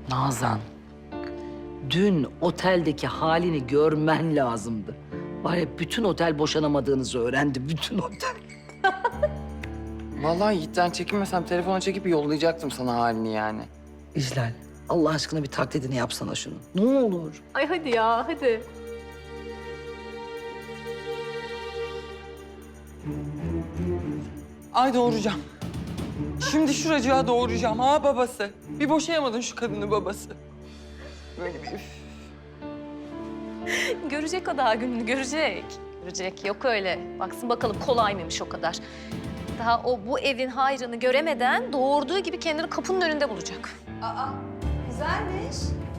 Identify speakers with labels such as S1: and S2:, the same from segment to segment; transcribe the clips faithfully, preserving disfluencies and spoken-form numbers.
S1: Nazan, dün oteldeki halini görmen lazımdı. Var ya bütün otel boşanamadığınızı öğrendi, bütün otel.
S2: Vallahi Yiğit'ten çekinmesem telefona çekip yollayacaktım sana halini yani.
S1: İclal, Allah aşkına bir taklidini yapsana şunu. Ne olur.
S3: Ay hadi ya, hadi.
S2: Ay doğuracağım. Şimdi şuracığa doğuracağım ha babası. Bir boşayamadın şu kadını babası. Böyle bir üf.
S3: Görecek o daha gününü, görecek. Görecek, yok öyle. Baksın bakalım kolay mıymış o kadar. Daha o bu evin hayrını göremeden doğurduğu gibi kendini kapının önünde bulacak.
S4: Aa, güzelmiş.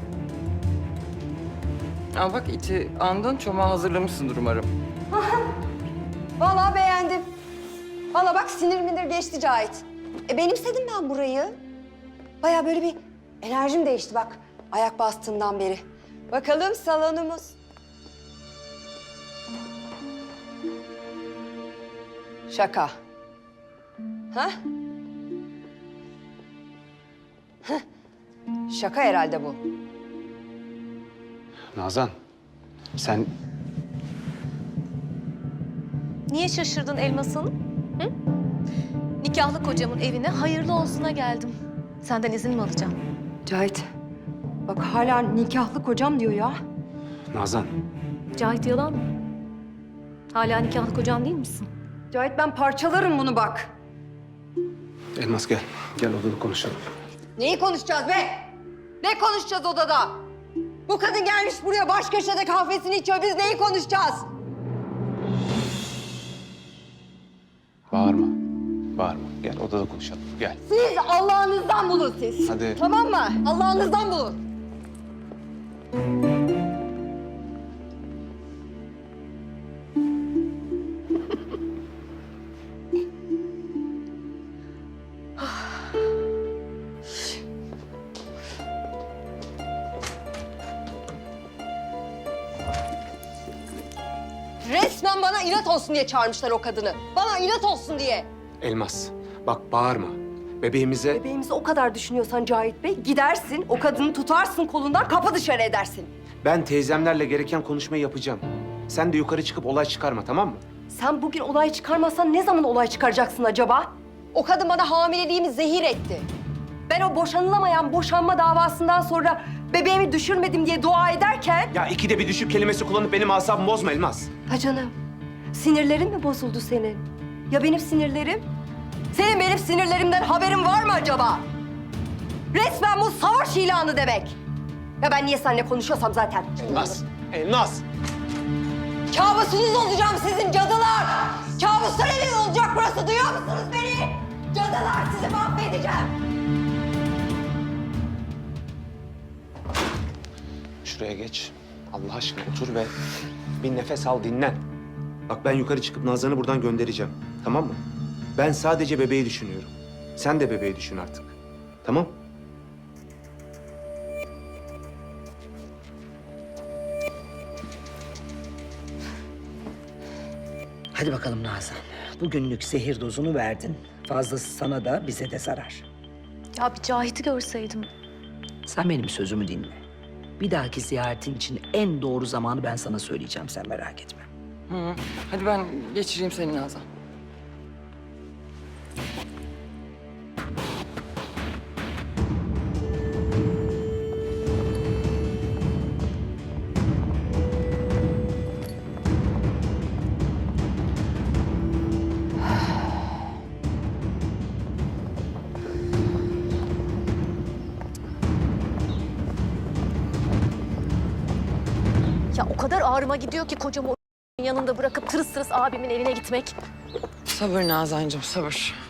S2: Ama bak iti andın, çomağı hazırlamışsındır umarım.
S4: Vallahi beğendim. Vallahi bak sinir minir geçti Cahit. E benimsedim ben burayı. Bayağı böyle bir enerjim değişti bak ayak bastığından beri. Bakalım salonumuz. Şaka. Ha? Heh. Şaka herhalde bu.
S5: Nazan, sen
S3: Niye şaşırdın Elmas'ın? Hı? Nikahlı kocamın evine hayırlı olsuna geldim. Senden izin mi alacağım?
S4: Cahit bak hala nikahlı kocam diyor ya.
S5: Nazan,
S3: Cahit yalan mı? Hala nikahlı kocam değil misin?
S4: Cahit ben parçalarım bunu bak.
S5: Elmas gel. Gel odada konuşalım.
S4: Neyi konuşacağız be? Ne konuşacağız odada? Bu kadın gelmiş buraya baş köşede kahvesini içiyor. Biz neyi konuşacağız?
S5: Bağırma. Bağırma. Gel odada konuşalım. Gel.
S4: Siz Allah'ınızdan bulun siz.
S5: Hadi.
S4: Tamam mı? Allah'ınızdan bulun. Resmen bana inat olsun diye çağırmışlar o kadını. Bana inat olsun diye.
S5: Elmas, bak bağırma. Bebeğimize...
S4: Bebeğimizi o kadar düşünüyorsan Cahit Bey, gidersin, o kadını tutarsın kolundan, kapı dışarı edersin.
S5: Ben teyzemlerle gereken konuşmayı yapacağım. Sen de yukarı çıkıp olay çıkarma, tamam mı?
S4: Sen bugün olay çıkarmazsan ne zaman olay çıkaracaksın acaba? O kadın bana hamileliğimi zehir etti. Ben o boşanılamayan boşanma davasından sonra bebeğimi düşürmedim diye dua ederken...
S5: Ya ikide bir düşük kelimesi kullanıp benim asabımı bozma Elmas.
S4: Ha canım, sinirlerin mi bozuldu senin? Ya benim sinirlerim? Senin benim sinirlerimden haberin var mı acaba? Resmen bu savaş ilanı demek. Ya ben niye seninle konuşuyorsam zaten.
S5: Elmas, Elmas.
S4: Kabusunuz olacağım sizin cadılar. Kabuslar evim olacak burası, duyuyor musunuz beni? Cadılar, sizi mahvedeceğim.
S5: Şuraya geç. Allah aşkına otur ve bir nefes al, dinlen. Bak ben yukarı çıkıp Nazan'ı buradan göndereceğim. Tamam mı? Ben sadece bebeği düşünüyorum. Sen de bebeği düşün artık. Tamam?
S1: Hadi bakalım Nazan. Bugünlük zehir dozunu verdin. Fazlası sana da bize de zarar.
S3: Ya bir Cahit'i görseydim.
S1: Sen benim sözümü dinle. Bir dahaki ziyaretin için en doğru zamanı ben sana söyleyeceğim, sen merak etme.
S2: Hı. Hadi ben geçireyim seni Nazan.
S3: Ya o kadar ağrıma gidiyor ki kocamı o yanında bırakıp tırıs tırıs abimin evine gitmek.
S2: Sabır Nazancığım, sabır.